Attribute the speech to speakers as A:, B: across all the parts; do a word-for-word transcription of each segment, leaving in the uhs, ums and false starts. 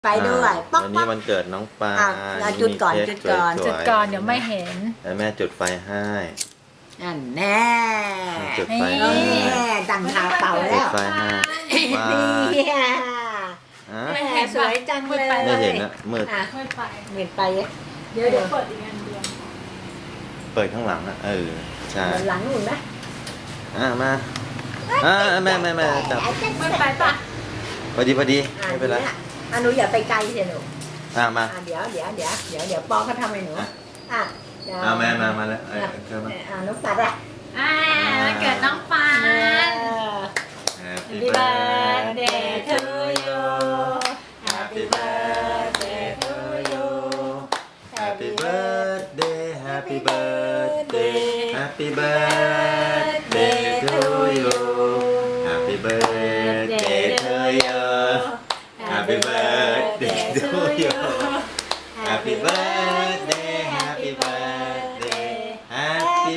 A: ไปด้วยป๊อก
B: วัน
A: ป๊
B: นี้
A: อก
B: วันเกิดน้องปลา
A: อ่ะอ่ะจุดก่อนจุดก่อน
C: จุดก่อนเดี๋ยวไม่เห็น
B: แล้วแม่จุดไฟให้
A: อันแน่
B: จุดไฟ
A: แน่
B: ให้
A: ดังทาเป่า
B: จุ
A: แล้
B: ด
A: ว
B: ไฟให้ว้า
A: เนี่ย
B: อ่ะ
A: แม่สวยจังเลย
B: ไม่เห็นนะมืด
A: อ่ะ
C: ไม่ไป
A: เหมือนไป
C: เดี๋ยวเดี๋ยวเปิดอีกอันเดียว
B: เปิดข้างหลังอ่ะเออใช่
A: เหมือนหลังหนุนนะ
B: อ่ะมาอ่ะแม่แม่แม่จับ
C: ไม่ไปปะ
B: พอดีพอดี
A: อ่ะ
B: ไม่เป็นไร
A: อ่ะอ่ะหนูอย่าไปไกลเสียหนู
B: อ่ะมา
A: อ่ะเดี๋ยวเดี๋ยวเดี๋ยวเดี๋ยวเดี๋ยวปอเขาทำให้หนู
B: อ่ะ
A: อ่ะเดี๋ยว
B: อ่ะแม่มามาแล้วเออ
A: อ่ะ
B: เกิดมา
A: อ่ะน้องปัดอ่ะ
C: อ่าวันเกิดน้องปา
A: เอน อ
B: Happy
C: Happy birthday to you
B: Happy birthday to you Happy birthday Happy birthday Happy birthday to you Happy birthday to you Happy birthday to you Happy birthday Happy birthday Happy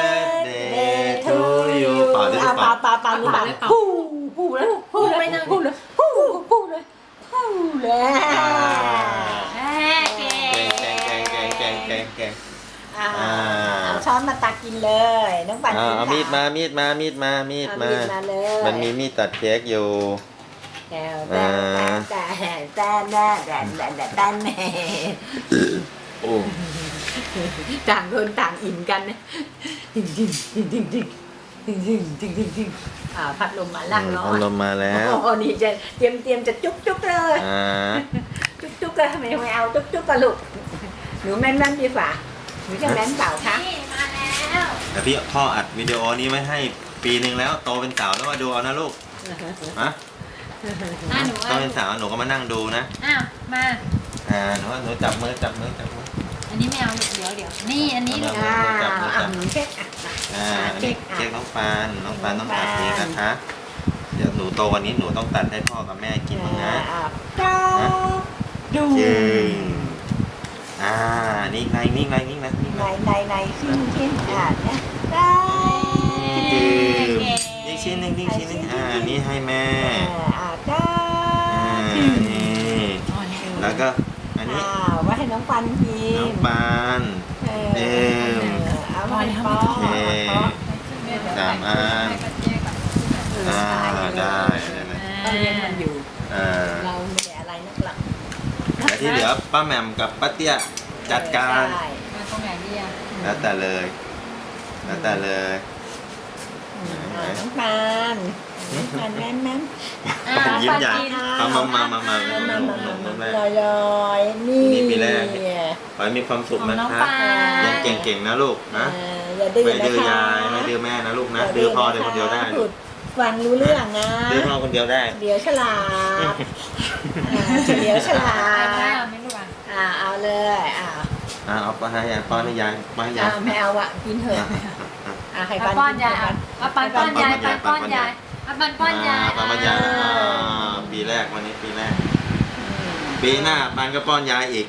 B: birthday to you เป่าด้วย
A: เอา
B: เป่า
A: เป่าเป่าเป่าหนูเป่าพูพูแล้วพูเลยพูเลยพูพูเลยพูเลย
C: แม่เก่
B: แกงแกงแกงแกงแกงแกง
A: อ่า
B: อ่า
A: เอาช้อนมาตักกินเลยน้องปัน
B: อ่า
A: กิน
B: เอามีดมามีดมามีดมามีด
A: เอา
B: มา
A: มีดมาเลย
B: มันมีมีดตัดเค้กอยู่
A: แต่แต่แต่แต่แต่แต่แต่แต่แต่แม่
B: โอ้
A: ต่างคนต่างอิ่มกันนะจริงจริงจริงจริงจริงจริงจริงจริงจริงจริงอ่าพัดลมมาล่างร้อ
B: พัด
A: น
B: ลมมาแล้ว
A: โอ้โหนี่จะเตรียมเตรียมจะจุ๊บจุ๊บเลย
B: อ่า
A: จุ๊บจุ๊บเลยทำไมไม่เอาจุ๊บจุ๊บกันลูกหนูแม่นแม่นดีกว่าหนูจะแม่นเปล่าคะ
C: นี่มาแล้ว
B: แต่พี่พ่ออัดวิดีโอนี้ไว้ให้ปีหนึ่งแล้วโตเป็นสาวแล้วมาดูเอานะลูกฮะ
C: อ่ะหนู
B: โต
C: อ่ะ
B: เป็นสาวหนูก็มานั่งดูนะ
C: อ้าวมา
B: อ่าหนูหนูจับมือจับมือจับมือ
C: อันนี้ไม่เอาลูกเดี๋ยวเดี๋ยวนี่อันนี้ลูก
B: เ
A: อ่า
B: จับมือจับ
A: อ่ะหนูเช็คอ่ะ
B: อ่าอันนี้เค้กน้องปานน้องปานต้องอัดนี้นะคะ เดี๋ยวหนูโตวันนี้หนูต้องตัดให้พ่อกับแม่กินบ้างนะ
A: อ่าจ้าดู
B: จริงอ่า นี่ไงนี่ไงนี่ไงนี่ไง
A: ในในในชิ้นชิ้นอ่าเนี่ยได้
B: จริงนี่ชิ้นหนึ่งนี่ชิ้นหนึ่งอ่า นี่ให้แม่
A: อ่าได้
B: อ่า นี่
C: อ๋อนี่เออ
B: แล้วก็อันนี้
A: อ้าวไว้ให้น้องปันกิ
B: น้อง
A: น
B: ปาน
A: เออ
B: เอ็ม
A: เอาไว้ให้ป้อ
B: โอเคสามอันอ่า ได้ได้ได้
A: เราเรียนมันอยู่
B: อ่า
A: เราไม่ได้อะไรนักหรอก
B: แล้วที่เหลือป้าแหม่มกับป้าเตี้ยจัดการ
A: ได้
C: มาตรงไหนดีอ่ะ
B: แล้วแต่เลย แล้วแต่เลย
A: อ่าน้องปันน้องปันแม่นแม่น
C: อ่ะ
B: ผมยิ้มใหญ่
C: ปา
B: เอา
C: กิน
B: มามามามา
A: มา
B: มา
A: มา
B: มา
A: มา
B: มา
A: มา
B: มา
A: ลอยลอยๆนี่
B: นี่ปีแรก ขอให้มีความสุข
C: ของ
B: นะ
C: น้อง
B: คะ
C: ปาน
B: ยังเก่งๆนะลูกนะ
A: เอออย่าดื้อ
B: ไม่
A: นะ
B: ดื้อ
A: คะ
B: ยายไม่ดื้อแม่นะลูกนะดื้อพ่อดื้อคนเดียวได้
A: พูดฟังรู้เรื่องนะ
B: ดื้อพ่อคนเดียวได้
A: เดี๋ยวฉลาดอ่าเดี๋ยวฉลา
C: อ่ะไม่
A: ด
C: เอาไม่รู้อ่ะ
A: อ่าเอาเลยอ่า
B: อ่าเอาไปให้ยายป้อนให้ยายป้อนให้ยา
A: อ่าย ไม่เอาอะกินเถอะ
B: อ่ะอ่ะ
A: อ่าให้
C: เอา
A: ปัน
C: ป้อน
A: กิน
C: ยาย
A: เถ
C: อ่ะ
A: อะ
C: เอาปันป้อนยายปันป้อนยายเอาปันป้อนยาย
B: ป้อนให้ยายอ่าปีแรกวันนี้ปีแรก ปีหน้าปานก็ป้อนยายอีก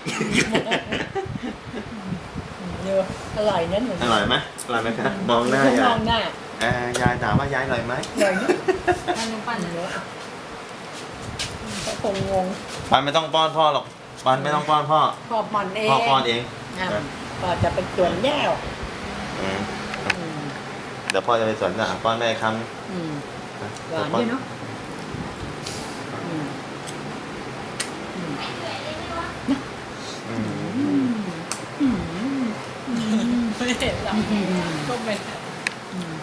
A: เดี๋ยวอร่อยนะหนู
B: อร่อยไหมอร่อยไหมครับมองหน้า
A: ม
B: ยา
A: อย งหน้า
B: เอ่อยายถามว่ายายอร่อยไหม
A: อร่อยนะ
C: เอาหนูปั่น
A: เดี๋ยวอ่ะเขาคงงง
B: ปานไม่ต้องป้อนพ่อหรอกปานไม่ต้องป้อนพ่อ
A: พอผ่อนเอง
B: พ่อป้อนเอง
A: อ่ะก็จะไปจวนแย่ว
B: อืม
A: อืม
B: เดี๋ยวพ่อจะไปสวนอ่ะป้อนแม่คำ
A: อืมห
B: เดี๋ยว
A: วาน
B: ป้อ
A: ด้วยเนาะอืมอืม
B: อืม
A: อืมอืม
C: ไม่เห็นหรอกก็เป็น
A: อืม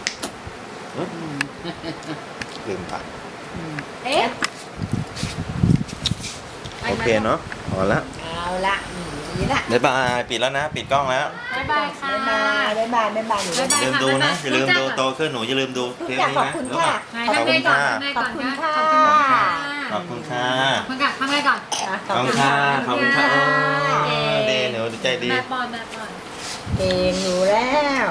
B: ลืมผัก
A: อืม
C: เอ๊ะ
B: โอเคเนาะพอละ
A: เอาละอืมนี่ละ
B: บ๊ายบายปิดแล้วนะ ปิดกล้องแล้ว
C: บ๊ายบายค่ะ
A: บ๊ายบายบ๊ายบายบ๊ายบายหนู
C: บ๊ายบาย
B: อย่าลืมดูนะ
C: ค่ะ
B: อย่าลืมดู
C: บ๊ายบาย
B: โตขึ้นหนูอย่าลืมดู
A: ทุก
B: เทป
A: อย่าง
B: นี้
A: ขอบ
B: นะ
A: คุณ
B: แล้ว
A: ค่ะ
C: ไหนทำไงก่อนทำไงก่อน
A: ขอบคุณ
C: นะ
A: ค่ะ
C: ขอบคุณ
B: ข
C: ค่ะ
B: อบคุณค่ะ
C: ขอบคุณค่ะทำไงก่อน
B: ขอบคุณค่ะขอบคุณค่ะโอ้
C: เก่ง
B: เดหนูใจดี
C: แม่ปอนแม่ปอน
A: เก่งอยู่แล้ว